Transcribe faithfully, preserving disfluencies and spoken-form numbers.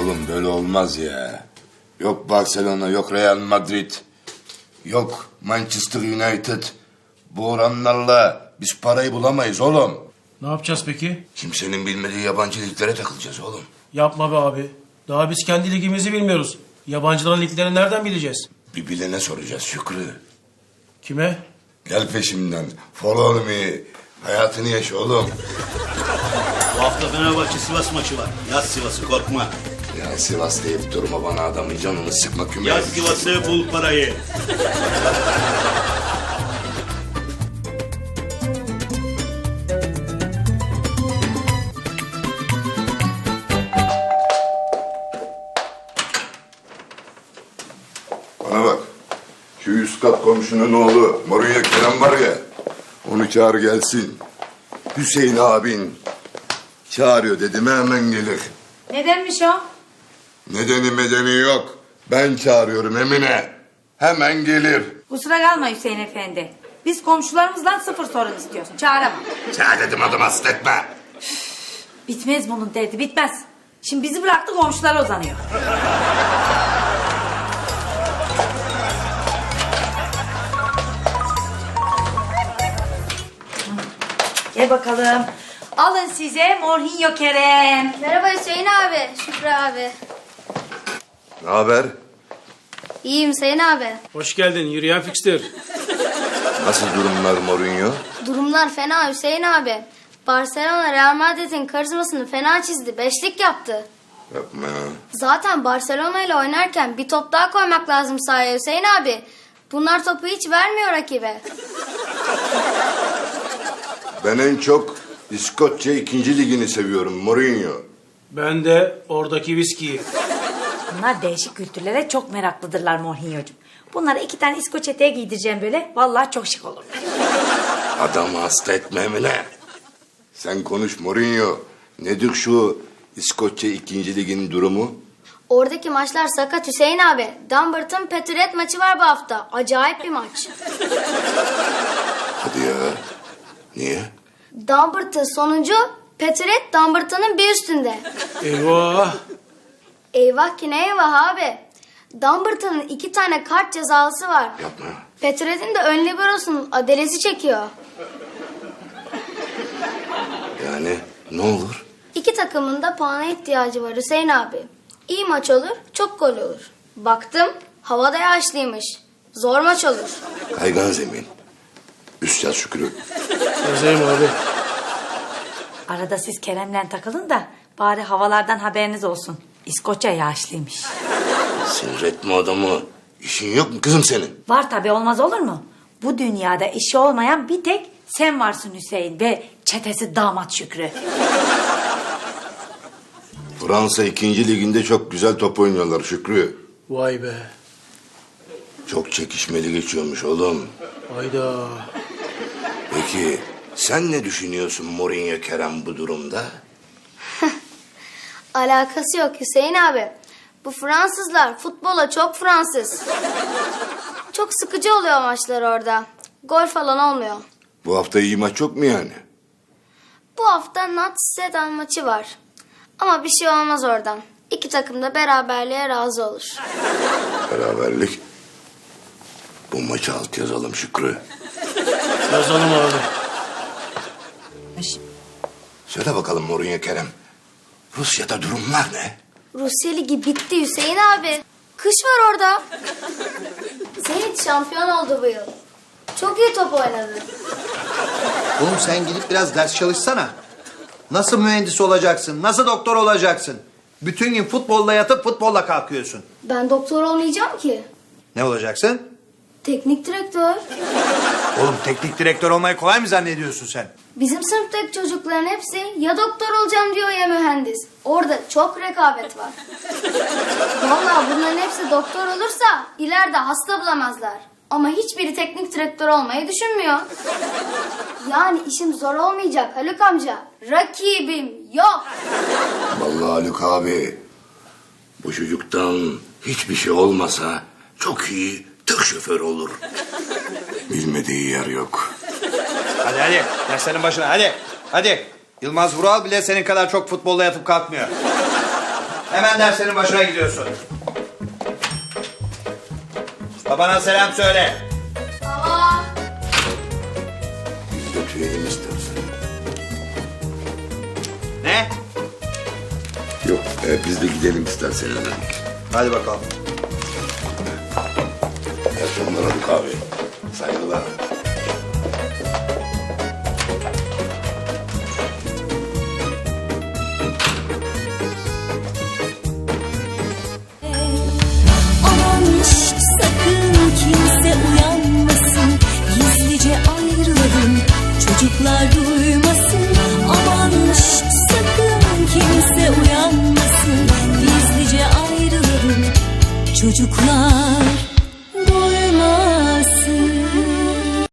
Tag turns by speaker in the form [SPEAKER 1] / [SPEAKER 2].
[SPEAKER 1] Oğlum böyle olmaz ya. Yok Barcelona, yok Real Madrid, yok Manchester United. Bu oranlarla biz parayı bulamayız oğlum.
[SPEAKER 2] Ne yapacağız peki?
[SPEAKER 1] Kimsenin bilmediği yabancı liglere takılacağız oğlum.
[SPEAKER 2] Yapma be abi. Daha biz kendi ligimizi bilmiyoruz. Yabancıların liglerini nereden bileceğiz?
[SPEAKER 1] Bir bilene soracağız Şükrü.
[SPEAKER 2] Kime?
[SPEAKER 1] Gel peşimden. Follow me. Hayatını yaşa oğlum.
[SPEAKER 3] Bu hafta Fenerbahçe Sivas maçı var. Yaz Sivas'ı, korkma.
[SPEAKER 1] Ya Sivas deyip durma bana, adamın canını sıkma küme.
[SPEAKER 3] Yaz Sivas'ı, bul parayı.
[SPEAKER 1] Bana bak. Şu üst kat komşunun oğlu Mourinho Kerem var ya. Onu çağır gelsin. Hüseyin abin çağırıyor dedim, hemen gelir.
[SPEAKER 4] Nedenmiş o?
[SPEAKER 1] Nedeni medeni yok. Ben çağırıyorum Emine. Hemen gelir.
[SPEAKER 4] Kusura kalma Hüseyin Efendi. Biz komşularımızdan sıfır sorun istiyorsun. Çağıramam.
[SPEAKER 1] Çağır dedim, adım hasta etme.
[SPEAKER 4] Bitmez bunun derdi, bitmez. Şimdi bizi bıraktı, komşulara uzanıyor. Gel bakalım. Alın size Mourinho Kerem.
[SPEAKER 5] Merhaba Hüseyin abi, Şükrü abi.
[SPEAKER 1] Ne haber?
[SPEAKER 5] İyiyim Hüseyin abi.
[SPEAKER 2] Hoş geldin yürüyen fikstür.
[SPEAKER 1] Nasıl durumlar Mourinho?
[SPEAKER 5] Durumlar fena Hüseyin abi. Barcelona Real Madrid'in karizmasını fena çizdi, beşlik yaptı.
[SPEAKER 1] Yapma ya.
[SPEAKER 5] Zaten Barcelona ile oynarken bir top daha koymak lazım sahaya Hüseyin abi. Bunlar topu hiç vermiyor rakibe.
[SPEAKER 1] Ben en çok İskoçya ikinci ligini seviyorum Mourinho.
[SPEAKER 2] Ben de oradaki viskiyi.
[SPEAKER 4] Bunlar değişik kültürlere çok meraklıdırlar Mourinho'cum. Bunlara iki tane İskoç eteği giydireceğim böyle. Vallahi çok şık olur.
[SPEAKER 1] Adamı hasta etme Emine. Sen konuş Mourinho. Nedir şu İskoçya ikinci ligin durumu?
[SPEAKER 5] Oradaki maçlar sakat Hüseyin abi. Dumbarton Peturet maçı var bu hafta. Acayip bir maç.
[SPEAKER 1] Hadi ya. Niye?
[SPEAKER 5] Dumbarton sonuncu, Peturet Dumbarton'ın bir üstünde.
[SPEAKER 2] Eyvah.
[SPEAKER 5] Eyvah ki ne eyvah abi. Dumbarton'ın iki tane kart cezalısı var.
[SPEAKER 1] Yapma.
[SPEAKER 5] Peturet'in de ön liberosunun adelesi çekiyor.
[SPEAKER 1] Yani ne olur?
[SPEAKER 5] İki takımın da puana ihtiyacı var Hüseyin abi. İyi maç olur, çok gol olur. Baktım, havada yağışlıymış. Zor maç olur.
[SPEAKER 1] Kaygan zemin. Üst yaz Şükrü.
[SPEAKER 2] Yazayım abi.
[SPEAKER 4] Arada siz Kerem'le takılın da bari havalardan haberiniz olsun. İskoçya yağışlıymış.
[SPEAKER 1] Sinir etme adamı. İşin yok mu kızım senin?
[SPEAKER 4] Var tabii, olmaz olur mu? Bu dünyada işi olmayan bir tek sen varsın Hüseyin ve çetesi damat Şükrü.
[SPEAKER 1] Fransa ikinci liginde çok güzel top oynuyorlar Şükrü.
[SPEAKER 2] Vay be.
[SPEAKER 1] Çok çekişmeli geçiyormuş oğlum.
[SPEAKER 2] Hayda.
[SPEAKER 1] Peki sen ne düşünüyorsun Mourinho Kerem bu durumda?
[SPEAKER 5] Alakası yok Hüseyin abi. Bu Fransızlar futbola çok Fransız. Çok sıkıcı oluyor maçlar orada. Gol falan olmuyor.
[SPEAKER 1] Bu hafta iyi maç yok mu yani?
[SPEAKER 5] Bu hafta Nat Sedan maçı var. Ama bir şey olmaz oradan. İki takım da beraberliğe razı olur.
[SPEAKER 1] Beraberlik. Bu maçı alt yazalım Şükrü.
[SPEAKER 2] Yazalım abi.
[SPEAKER 1] Söyle bakalım Mourinho Kerem. Rusya'da durumlar ne?
[SPEAKER 5] Rusya Ligi bitti Hüseyin abi. Kış var orada. Zenit şampiyon oldu bu yıl. Çok iyi top oynadı.
[SPEAKER 6] Oğlum sen gidip biraz ders çalışsana. Nasıl mühendis olacaksın? Nasıl doktor olacaksın? Bütün gün futbolla yatıp futbolla kalkıyorsun.
[SPEAKER 5] Ben doktor olmayacağım ki.
[SPEAKER 6] Ne olacaksın?
[SPEAKER 5] Teknik direktör.
[SPEAKER 6] Oğlum teknik direktör olmayı kolay mı zannediyorsun sen?
[SPEAKER 5] Bizim sınıftaki çocukların hepsi ya doktor olacağım diyor ya mühendis. Orada çok rekabet var. Vallahi bunların hepsi doktor olursa ileride hasta bulamazlar. Ama hiçbiri teknik direktör olmayı düşünmüyor. Yani işim zor olmayacak Haluk amca. Rakibim yok.
[SPEAKER 1] Vallahi Haluk abi, bu çocuktan hiçbir şey olmasa çok iyi tır şoförü olur. Bilmediği yer yok.
[SPEAKER 6] Hadi hadi derslerin başına hadi. Hadi. Yılmaz Vural bile senin kadar çok futbolla yatıp kalkmıyor. Hemen derslerin başına gidiyorsun. Babana selam söyle.
[SPEAKER 5] Aa,
[SPEAKER 1] Biz de tüyelim istersen.
[SPEAKER 6] Ne?
[SPEAKER 1] Yok e, biz de gidelim istersen hemen.
[SPEAKER 6] Hadi bakalım.
[SPEAKER 1] İyi akşamlar Haluk abi. Saygılar.
[SPEAKER 7] Aman şşt, sakın kimse uyanmasın. Gizlice ayrılalım, çocuklar duymasın. Aman şşt, sakın kimse uyanmasın. Gizlice ayrılalım, çocuklar